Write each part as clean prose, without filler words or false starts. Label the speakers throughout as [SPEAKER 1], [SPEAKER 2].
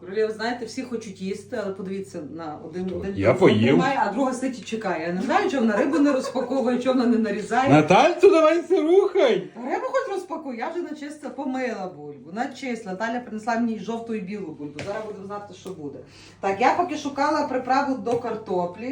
[SPEAKER 1] Королєв, знаєте, всі хочуть їсти, але подивіться на один
[SPEAKER 2] Я поїв.
[SPEAKER 1] тримає, а друга сидить і чекає. Я не знаю, чого вона рибу не розпаковує, чого вона не нарізає.
[SPEAKER 2] Натальцю, давай се рухай.
[SPEAKER 1] Рибу хоч розпакуй, я вже начисто помила бульбу, начисла. Наталя принесла мені жовту і білу бульбу. Зараз будемо знати, що буде. Так, я поки шукала приправу до картоплі.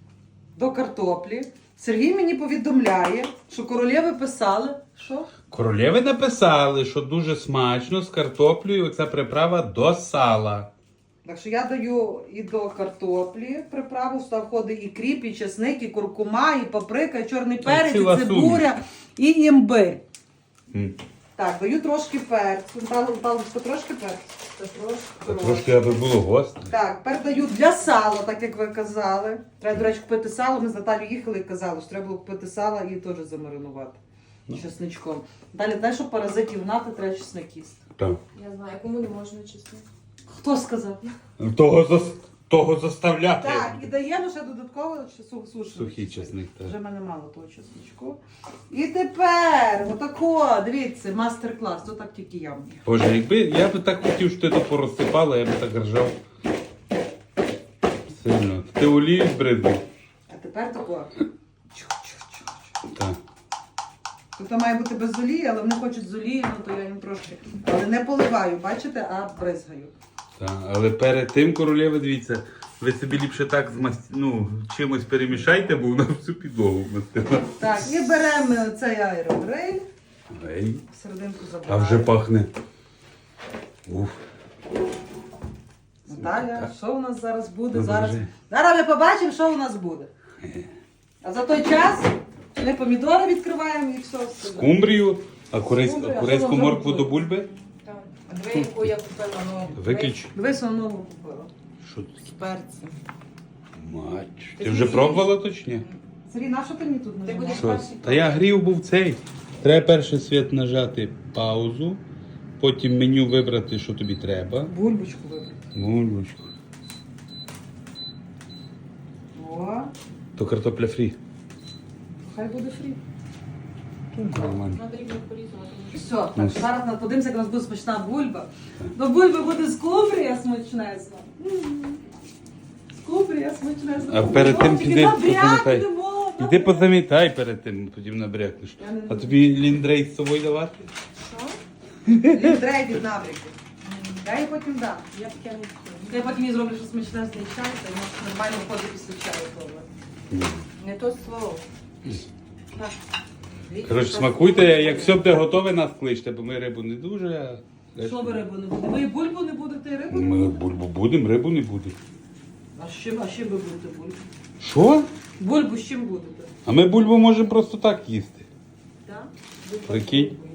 [SPEAKER 1] Сергій мені повідомляє, що королєви писали, що?
[SPEAKER 2] Королєви написали, що дуже смачно з картоплею оця приправа до сала.
[SPEAKER 1] Так що я даю і до картоплі приправу, сюди входить і кріп, і чесник, і куркума, і паприка, і чорний перець,
[SPEAKER 2] ціла
[SPEAKER 1] і цибуля, і імбир.
[SPEAKER 2] М.
[SPEAKER 1] Так, даю трошки перцю. Палочка, трошки перцю.
[SPEAKER 2] Трошки аби було гостро.
[SPEAKER 1] Так, тепер даю для сала, так як ви казали. Треба, до речі, купити сало. Ми з Наталією їхали і казали, що треба було купити сало і теж замаринувати. Чесничком. Далі, знаєш, що паразитів гнати, треба чесник їсти.
[SPEAKER 2] Так.
[SPEAKER 3] Я знаю, кому не можна чесно.
[SPEAKER 1] Хто сказав?
[SPEAKER 2] Того заставляти.
[SPEAKER 1] Так, і даємо ще додатково
[SPEAKER 2] Сухий чесник, так.
[SPEAKER 1] Вже в мене мало того чесничку. І тепер, отако, дивіться, мастер-клас. То так тільки я вмію.
[SPEAKER 2] Боже, якби я би так хотів, що ти то порозсипала, я би так ржав. Сильно. Ти олію збризгав?
[SPEAKER 1] А тепер тако.
[SPEAKER 2] Так.
[SPEAKER 1] Тут має бути без олії, але вони хочуть з олією, ну то я їм трошки. Але не поливаю, бачите, а бризгаю.
[SPEAKER 2] Так. Але перед тим, королєви, дивіться, ви собі ліпше так чимось перемішайте, бо вона всю підлогу вмастила.
[SPEAKER 1] Так, і беремо цей аерогриль.
[SPEAKER 2] Ей.
[SPEAKER 1] Серединку
[SPEAKER 2] А
[SPEAKER 1] забираємо.
[SPEAKER 2] вже пахне. Уф.
[SPEAKER 1] Наталя, що у нас зараз буде?
[SPEAKER 2] Ну,
[SPEAKER 1] Зараз
[SPEAKER 2] дуже.
[SPEAKER 1] ми побачимо, що у нас буде. А за той час ми помідори відкриваємо і все.
[SPEAKER 2] Скумбрію, а
[SPEAKER 1] Скумбрію, а
[SPEAKER 2] корейську
[SPEAKER 1] що
[SPEAKER 2] моркву
[SPEAKER 1] вам
[SPEAKER 2] до бульби?
[SPEAKER 3] Так. А диви, яку я купила нову.
[SPEAKER 2] Виключ.
[SPEAKER 1] Дивись, воно нову купила.
[SPEAKER 2] Що тут?
[SPEAKER 3] З перцем.
[SPEAKER 2] Мач. Ти вже пробувала точні?
[SPEAKER 1] Сергій, на що ти мені тут
[SPEAKER 3] Ти
[SPEAKER 1] нажимаєш?
[SPEAKER 3] будеш
[SPEAKER 2] Що?
[SPEAKER 3] перший.
[SPEAKER 2] Та я грів був цей. Треба перший світ нажати паузу, потім меню вибрати, що тобі треба.
[SPEAKER 1] Бульбочку вибрати.
[SPEAKER 2] Бульбочку.
[SPEAKER 1] О,
[SPEAKER 2] То картопля фрі.
[SPEAKER 1] хай буде фрі.
[SPEAKER 2] Нормально.
[SPEAKER 3] Треба рівно порізувати.
[SPEAKER 1] Все, так, зараз ми подивимося, як у нас буде смачна бульба. До бульби буде скумбрія смачнесна. Скумбрія смачнесна.
[SPEAKER 2] А перед тим
[SPEAKER 1] Тільки
[SPEAKER 2] піди
[SPEAKER 1] набрякнемо,
[SPEAKER 2] позамітай. Іди позамітай перед тим, потім набрякнеш.
[SPEAKER 1] Я не
[SPEAKER 2] А
[SPEAKER 1] буду.
[SPEAKER 2] тобі ліндрей з собою давати?
[SPEAKER 3] Що?
[SPEAKER 1] Ліндрей від набряки. Я їй потім дам.
[SPEAKER 3] Я таке не хочу.
[SPEAKER 1] Я потім їй зроблю щось смачнесний чай, та й може нормально ходить після чаю. Добре.
[SPEAKER 3] Не то слово. Так.
[SPEAKER 2] Коротше, смакуйте, як все буде готове, нас кличте, бо ми рибу не дуже.
[SPEAKER 1] Що ви рибу не будете? Ви і бульбу не будете, і рибу не
[SPEAKER 2] Ми
[SPEAKER 1] будете?
[SPEAKER 2] бульбу будемо, рибу не буде.
[SPEAKER 1] А з чим ви будете бульбу?
[SPEAKER 2] Що?
[SPEAKER 1] Бульбу з чим будете?
[SPEAKER 2] А ми бульбу можемо просто так їсти.
[SPEAKER 1] Так?
[SPEAKER 2] Прикинь.